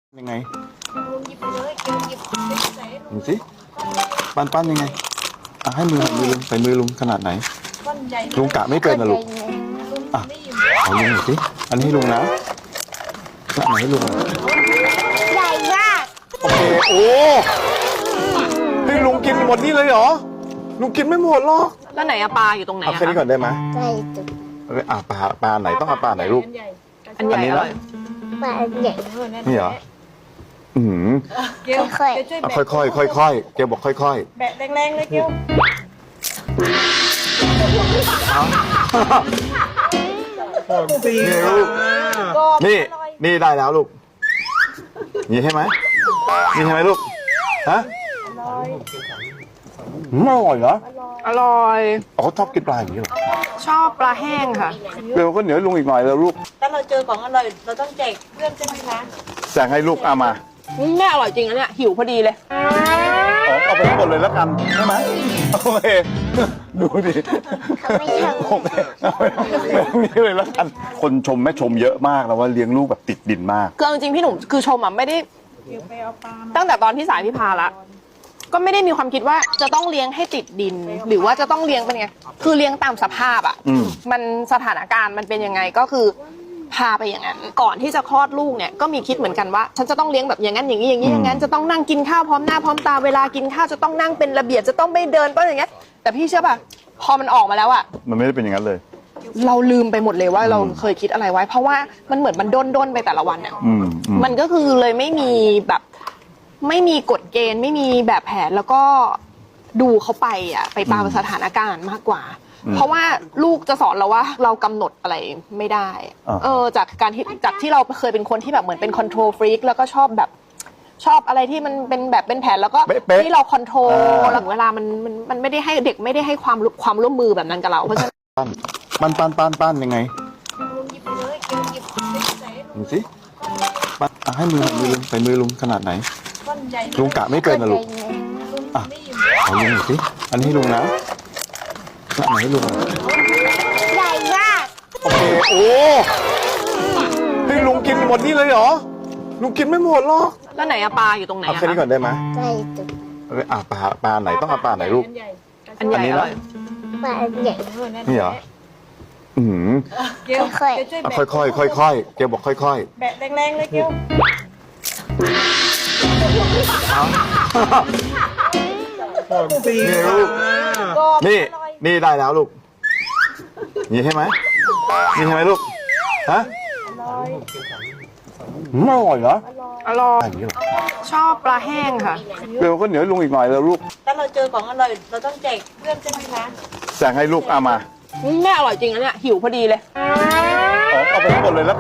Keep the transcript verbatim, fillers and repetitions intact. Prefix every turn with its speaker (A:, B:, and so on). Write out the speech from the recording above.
A: ยังไง
B: ลุงหยิบไปเลยเกียวหยิบไปใส่ลุ
A: ดู
B: ง
A: สิปั้นปั้นยังไงอ่ะให้มือมือลุงใส่มือลุงขนาดไหน
B: ก้อนใหญ่
A: ลุงกะไม่เป็นนะลูก
B: ลุง
A: อ่ะ
B: ไม่หยิบ
A: เอาลุงหน่อยสิอันนี้ให้ลุงนะขนาดไหนให้ลุง
C: ใหญ่มาก
A: โอเคโอ้ให้ลุงกินหมดนี่เลยเหรอลุงกินไม่หมดหรอก
D: แล้วไหนอะปลาอยู่ตรงไหน
A: เอา
D: อะ
A: แค่นี้ก่อนได้ไหม
C: ใหญ่จุด
A: เอาไปอ่ะปลาปลาไหนต้องเอาปลาไหนลูก
B: ใหญ่
D: อันใหญ่
A: อันนี้
D: อ
A: นะ
D: ร่อย
C: ปลาใหญ่
A: นี่เหรออืม
B: เกียว
C: ค่อยๆ
B: เกียวช่วย
A: อ่ะ
B: แบะ
A: ค่อยค่อยค่อยค่อยๆแกบอกค่อยค่อย
B: แบะแรงๆเลยเกียว
A: ๆนี่ลูก
B: กรอบ
A: นี่
B: อร่อย
A: นี่ได้แล้วลูกนี่ใช่ไหมนี่ใช่ไหมลูกฮะ
B: อร่อย
A: อืมอร่อยเหรอ
D: อร่อย
A: อ๋อเขาชอบกินปลาอย่างนี้เหรอ
D: ชอบปลาแห้งค่ะ
A: เดี๋ยวก็เหนียวให้ลุงอีกหน่อยแล้วลูก
B: ถ้าเราเจอของอร่อยเราต้องแจกเพื่อนใช่ไหมคะ
A: แจกให้ลูกเอามา
D: แม่อร่อยจริงนะเนี่ยหิวพอดีเลย
A: อ๋อเอาไปทั้งหมดเลยแล้วกันใช่ไหมโอเคดูดิ
C: เขาไม่ทำ
A: โอเคเอาไปตรงนี้เลยแล้วกันคนชมแม่ชมเยอะมากแล้วว่าเลี้ยงลูกแบบติดดินมาก
D: คือเอาจริงๆพี่หนุ่มคือชมอะไม่ได้
B: เกียวไปเอาปลามา
D: ตั้งแต่ตอนที่สายพี่พาละก็ไม่ได้มีความคิดว่าจะต้องเลี้ยงให้ติดดิน หรือว่าจะต้องเลี้ยงเป็นไงคือเลี้ยงตามสภาพอ่ะ
A: อืม
D: มันสถานการณ์มันเป็นยังไงก็คือพาไปอย่างนั้นก่อนที่จะคลอดลูกเนี่ยก็มีคิดเหมือนกันว่า ฉันจะต้องเลี้ยงแบบอย่างนั้นอย่างนี้อย่างนี้อย่างนั้นจะต้องนั่งกินข้าวพร้อมหน้าพร้อมตาเวลากินข้าวจะต้องนั่งเป็นระเบียบจะต้องไม่เดินเพราะอย่างเงี้ยแต่พี่เชื่อป่ะพอมันออกมาแล้วอ่ะ
A: มันไม่ได้เป็นอย่างนั้นเลย
D: เราลืมไปหมดเลยว่าเราเคยคิดอะไรไว้ เพราะว่ามันเหมือนมันด้นด้นๆไปแต่ละวันเนี่ย
A: อืมอืม
D: มันก็คือเลยไม่มีแบบไม่มีกฎเกณฑ์ ไม่มีแบบแผนแล้วก็ดูเขาไปอ่ะไปตามสถานการณ์มากกว่า เพราะว่าลูกจะสอนเราว่าเรากำหนดอะไรไม่ได้
A: อ่า
D: เออจากการที่จากที่เราเคยเป็นคนที่แบบเหมือนเป็นคอนโทรลฟรีกแล้วก็ชอบแบบชอบอะไรที่มันเป็นแบบเป็นแผนแล้วก็
A: เป๊ะๆ
D: ที่เราคอนโทรล
A: อ่า
D: หลังเวลามันมันมันไม่ได้ให้เด็กไม่ได้ให้ความความร่วมมือแบบนั้นกับเราเพราะฉะนั้น
A: ปั้นปั้นปั้นปั้นยังไง
B: ลุงหยิบไปเลยเกียวหยิบไปใส่ลุ
A: ดู
B: ง
A: สิปั้นอ่ะให้มือมือลุงใส่มือลุงขนาดไหน
B: ก้อนใหญ่
A: ลุงกะไม่เป็นนะลูก
B: ลุง
A: อ่ะ
B: ไม่หยิบ
A: เอาลุงหน่อยสิอันนี้ให้ลุงนะขนาดไหนให้ลุง
C: ใหญ่มาก
A: โอเคโอ้ให้ลุงกินหมดนี่เลยเหรอลุงกินไม่หมดหรอก
D: แล้วไหนอะปลาอยู่ตรงไหน
A: เอา
D: อะ
A: แค่นี้ก่อนได้ไหม
C: ใหญ่จุด
A: เอาไปอ่ะปลาปลาไหนต้องเอาปลาไหนลูก
B: อันใหญ่
D: อันใหญ่
A: อันนี้
D: อ
A: นะ
D: ร่อย
C: ปลาใหญ่
A: นี่เหรออืม
B: เกียว
C: ค่อยๆ
B: เกียวช่วย
A: อ่ะ
B: แบะ
A: ค่อยค่อยค่อยค่อยๆแกบอกค่อยค่อย
B: แบะแรงๆเลยเกียว
A: ๆนี่ลูก
B: กรอบ
A: นี่
B: อร่อย
A: นี่ได้แล้วลูกนี่ใช่ไหมนี่ใช่ไหมลูกฮะ
B: อร่อย
A: อืมอร่อยเหรอ
D: อร่อย
A: อย่างนี้เหรอ
D: ชอบปลาแห้งค่ะ
A: เดี๋ยวก็เหนียวให้ลุงอีกหน่อยแล้วลูก
B: ถ้าเราเจอของอร่อยเราต้องแจกเพื่อนใช่ไหมคะ
A: แจกให้ลูกเอามา
D: แม่อร่อยจริงนะเนี่ยหิวพอดีเลย
A: อ๋อเอาไปทั้งหมดเลยแล้ว